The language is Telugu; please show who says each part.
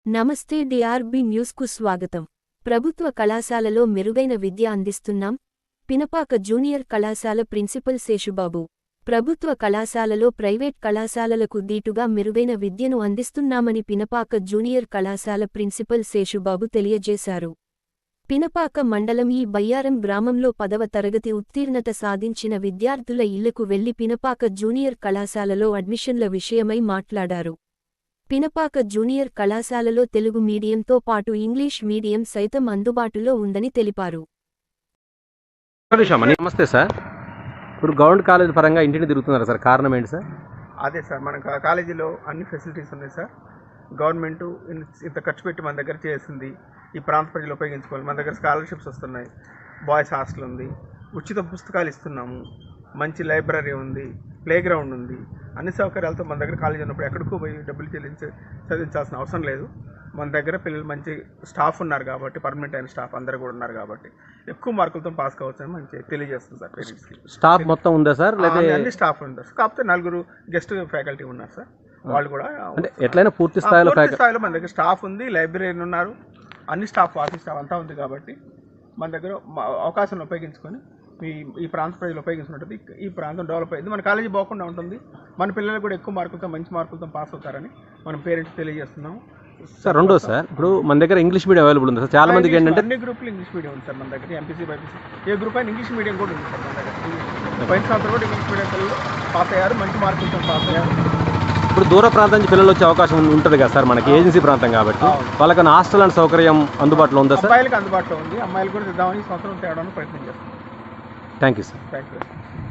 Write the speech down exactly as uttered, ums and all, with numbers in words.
Speaker 1: నమస్తే డిఆర్బి న్యూస్కు స్వాగతం. ప్రభుత్వ కళాశాలలో మెరుగైన విద్య అందిస్తున్నాం. పినపాక జూనియర్ కళాశాల ప్రిన్సిపల్ శేషుబాబు. ప్రభుత్వ కళాశాలలో ప్రైవేట్ కళాశాలలకు దీటుగా మెరుగైన విద్యను అందిస్తున్నామని పినపాక జూనియర్ కళాశాల ప్రిన్సిపల్ శేషుబాబు తెలియజేశారు. పినపాక మండలం ఈ బయ్యారం గ్రామంలో పదవ తరగతి ఉత్తీర్ణత సాధించిన విద్యార్థుల ఇళ్లకు వెళ్లి పినపాక జూనియర్ కళాశాలలో అడ్మిషన్ల విషయమై మాట్లాడారు. పినపాక జూనియర్ కళాశాలలో తెలుగు మీడియంతో పాటు ఇంగ్లీష్ మీడియం సైతం అందుబాటులో ఉందని తెలిపారు.
Speaker 2: నమస్తే సార్, ఇప్పుడు గవర్నమెంట్ కాలేజ్ పరంగా ఇంటిని తిరుగుతున్నారు సార్, కారణం ఏంటి సార్?
Speaker 3: అదే సార్, మన కాలేజీలో అన్ని ఫెసిలిటీస్ ఉన్నాయి సార్. గవర్నమెంట్ ఇంత ఖర్చు పెట్టి మన దగ్గర చేసింది, ఈ ప్రాంత ప్రజలు ఉపయోగించుకోవాలి. మన దగ్గర స్కాలర్షిప్స్ వస్తున్నాయి, బాయ్స్ హాస్టల్ ఉంది, ఉచిత పుస్తకాలు ఇస్తున్నాము, మంచి లైబ్రరీ ఉంది, ప్లే గ్రౌండ్ ఉంది. అన్ని సౌకర్యాలతో మన దగ్గర కాలేజీ ఉన్నప్పుడు ఎక్కడికో పోయి డబ్బులు చెల్లించి చదివించాల్సిన అవసరం లేదు. మన దగ్గర పిల్లలు మంచి స్టాఫ్ ఉన్నారు కాబట్టి, పర్మనెంట్ అయిన స్టాఫ్ అందరూ కూడా ఉన్నారు కాబట్టి ఎక్కువ మార్కులతో పాస్ కావచ్చని మంచి తెలియజేస్తుంది సార్. పేరెంట్స్కి
Speaker 2: స్టాఫ్ మొత్తం ఉందా సార్? లేదా
Speaker 3: అన్ని స్టాఫ్ ఉంటారు, కాకపోతే నలుగురు గెస్ట్ ఫ్యాకల్టీ ఉన్నారు సార్. వాళ్ళు కూడా
Speaker 2: అంటే ఎట్లయినా పూర్తి స్థాయిలో
Speaker 3: స్థాయిలో మన దగ్గర స్టాఫ్ ఉంది, లైబ్రరీని ఉన్నారు, అన్ని స్టాఫ్ ఆఫీస్ స్టాఫ్ అంతా ఉంది కాబట్టి మన దగ్గర అవకాశాన్ని ఉపయోగించుకొని మీ ఈ ప్రాంత ప్రజలు ఉపయోగించుకుంటుంది. ఈ ప్రాంతం డెవలప్ అయింది, మన కాలేజీ బాగుండా ఉంటుంది, మన పిల్లలు కూడా ఎక్కువ మార్కులతో మంచి మార్కులతో పాస్ అవుతారని మనం పేరెంట్స్ తెలియజేస్తున్నాము
Speaker 2: సార్. రెండో సార్, ఇప్పుడు మన దగ్గర ఇంగ్లీష్ మీడియం అవైలబుల్ ఉంది సార్. చాలా మందికి ఏంటంటే
Speaker 3: అన్ని గ్రూపులు ఇంగ్లీష్ మీడియం ఉంది సార్ మన దగ్గర. ఎంపీసీ బైపీసీ ఏ గ్రూప్ అయినా ఇంగ్లీష్ మీడియం కూడా ఉంది సార్ మన దగ్గర. పైన సంవత్సరం కూడా ఇంగ్లీష్ మీడియం పిల్లలు పాస్ అయ్యారు, మంచి మార్కులతో పాస్ అయ్యారు.
Speaker 2: ఇప్పుడు దూర ప్రాంతం నుంచి పిల్లలు వచ్చే అవకాశం ఉంటుంది కదా సార్, మనకి ఏజెన్సీ ప్రాంతం కాబట్టి వాళ్ళకి హాస్టల్ అండ్ సౌకర్యం అందుబాటులో ఉందా సార్?
Speaker 3: అబ్బాయిలకు అందుబాటులో ఉంది, అమ్మాయిలు కూడా తెద్దామని ఈ సంవత్సరం తేవడానికి ప్రయత్నం చేస్తాం.
Speaker 2: Thank you sir.
Speaker 3: Thank you.